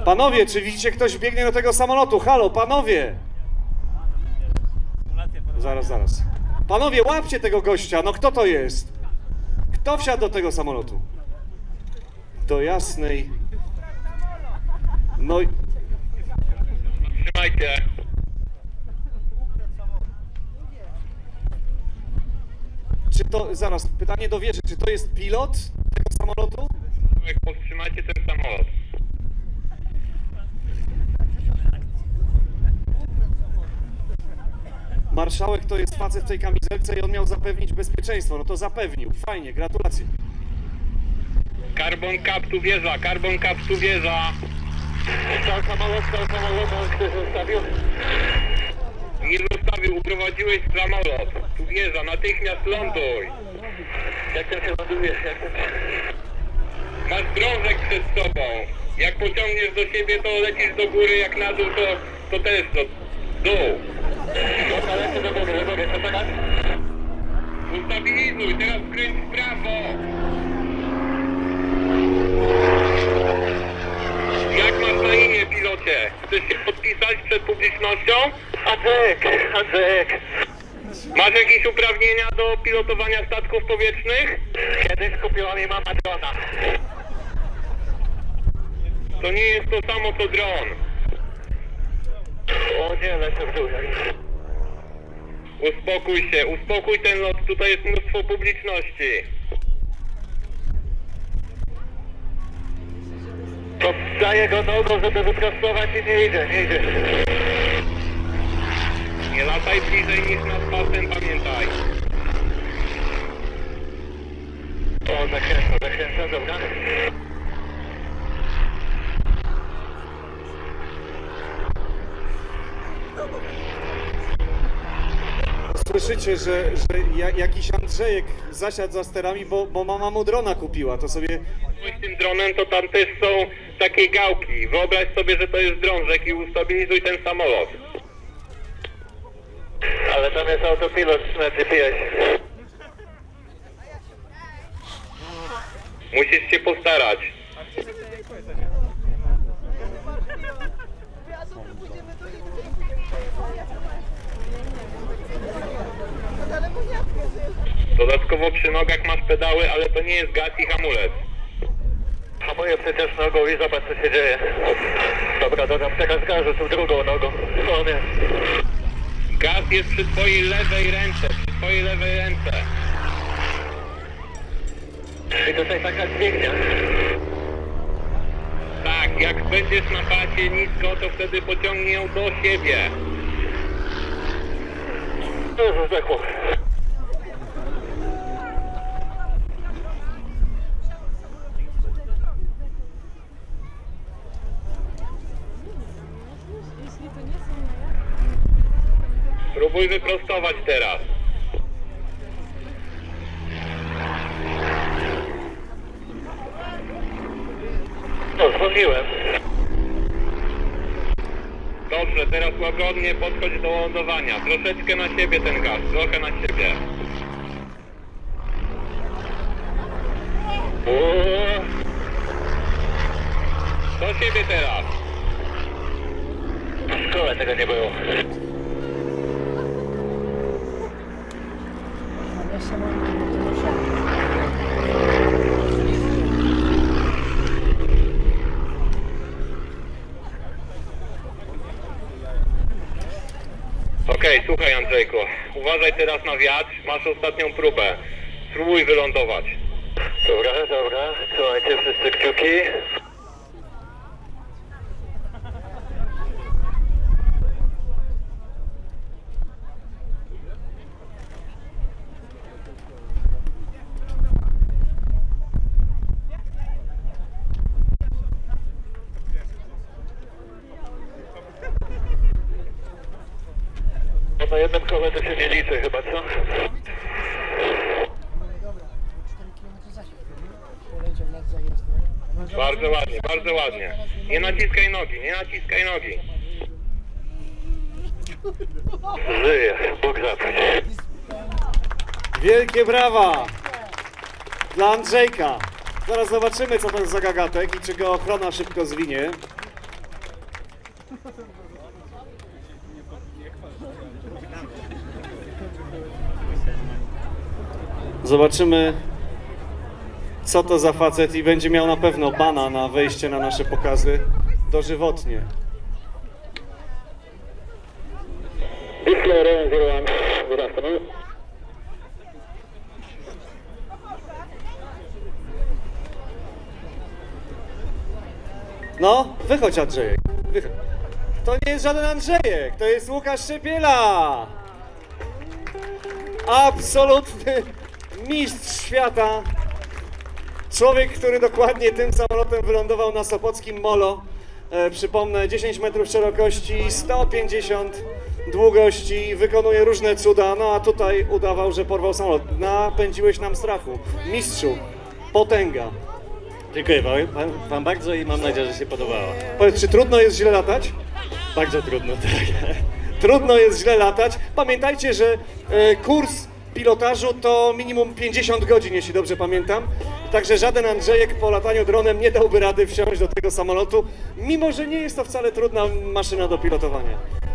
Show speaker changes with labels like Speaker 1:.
Speaker 1: Panowie, czy widzicie, ktoś biegnie do tego samolotu? Halo, panowie! Zaraz. Panowie, łapcie tego gościa, no kto to jest? Kto wsiadł do tego samolotu? Do jasnej... No i...
Speaker 2: Trzymajcie.
Speaker 1: Czy to... Zaraz, pytanie do wieży, czy to jest pilot tego samolotu?
Speaker 2: Powstrzymajcie ten samolot.
Speaker 1: Marszałek to jest facet w tej kamizelce i on miał zapewnić bezpieczeństwo. No to zapewnił. Fajnie, gratulacje.
Speaker 2: Carbon Cap tu wieża, Carbon Cap tu wieża. Stał samolot, on ktoś zostawił? Nie zostawił, uprowadziłeś samolot. Tu wieża, natychmiast ląduj. Jak tam się ląduje? Masz drążek przed sobą. Jak pociągniesz do siebie, to lecisz do góry, jak na dół, to też do dół. Dobra, lecę do góry, co teraz? Ustabilizuj, teraz skręć w prawo. Jak masz na imię, pilocie? Chcesz się podpisać przed publicznością? Andrzejek. Masz jakieś uprawnienia do pilotowania statków powietrznych? Kiedyś kupiła mi mama drona. To nie jest to samo co dron. O nie, lecę w dół. Uspokój ten lot, tutaj jest mnóstwo publiczności. Poddaję go nogą, żeby wyprostować i nie idzie. Nie lataj bliżej niż nad pasem, pamiętaj. O, zakręcam, dobra.
Speaker 1: Słyszycie, że jakiś Andrzejek zasiadł za sterami, bo mama mu drona kupiła, to sobie...
Speaker 2: Z tym dronem to tam też są takie gałki. Wyobraź sobie, że to jest drążek i ustabilizuj ten samolot. Ale tam jest autopilot na GPS. Musisz się postarać. Dodatkowo przy nogach masz pedały, ale to nie jest gaz i hamulec. Hamuję przecież nogą i zobacz, co się dzieje. Dobra, dodam teraz gazu, tu drugą nogą. O nie. Gaz jest przy twojej lewej ręce, I tutaj taka dźwignia. Tak, jak będziesz na pasie nisko, to wtedy pociągnie ją do siebie. Dużo zdechło. Spróbuj wyprostować teraz. No, zwolniłem. Dobrze, teraz łagodnie podchodź do lądowania. Troszeczkę na siebie ten gaz, trochę na siebie. Do siebie teraz. W szkole tego nie było. Okej, słuchaj Andrzejku, uważaj teraz na wiatr, masz ostatnią próbę. Spróbuj wylądować. Dobra, słuchajcie wszyscy kciuki. Na jednym kole to się nie liczy chyba, co? Bardzo ładnie. Nie naciskaj nogi. Żyje, Bóg zapłać.
Speaker 1: Wielkie brawa dla Andrzejka. Zaraz zobaczymy, co to jest za gagatek i czy go ochrona szybko zwinie. Zobaczymy, co to za facet i będzie miał na pewno bana na wejście na nasze pokazy dożywotnie.
Speaker 2: Whistler 01, good afternoon.
Speaker 1: No, wychodź Andrzejek, wychodź. To nie jest żaden Andrzejek, to jest Łukasz Szypiela! Absolutny mistrz świata. Człowiek, który dokładnie tym samolotem wylądował na sopockim molo. Przypomnę, 10 metrów szerokości, 150 długości, wykonuje różne cuda, no a tutaj udawał, że porwał samolot. Napędziłeś nam strachu. Mistrzu, potęga.
Speaker 3: Dziękuję wam bardzo i mam nadzieję, że się podobało.
Speaker 1: Powiedz, czy trudno jest źle latać?
Speaker 3: Bardzo trudno, tak.
Speaker 1: Trudno jest źle latać. Pamiętajcie, że kurs pilotażu to minimum 50 godzin, jeśli dobrze pamiętam. Także żaden Andrzejek po lataniu dronem nie dałby rady wsiąść do tego samolotu, mimo że nie jest to wcale trudna maszyna do pilotowania.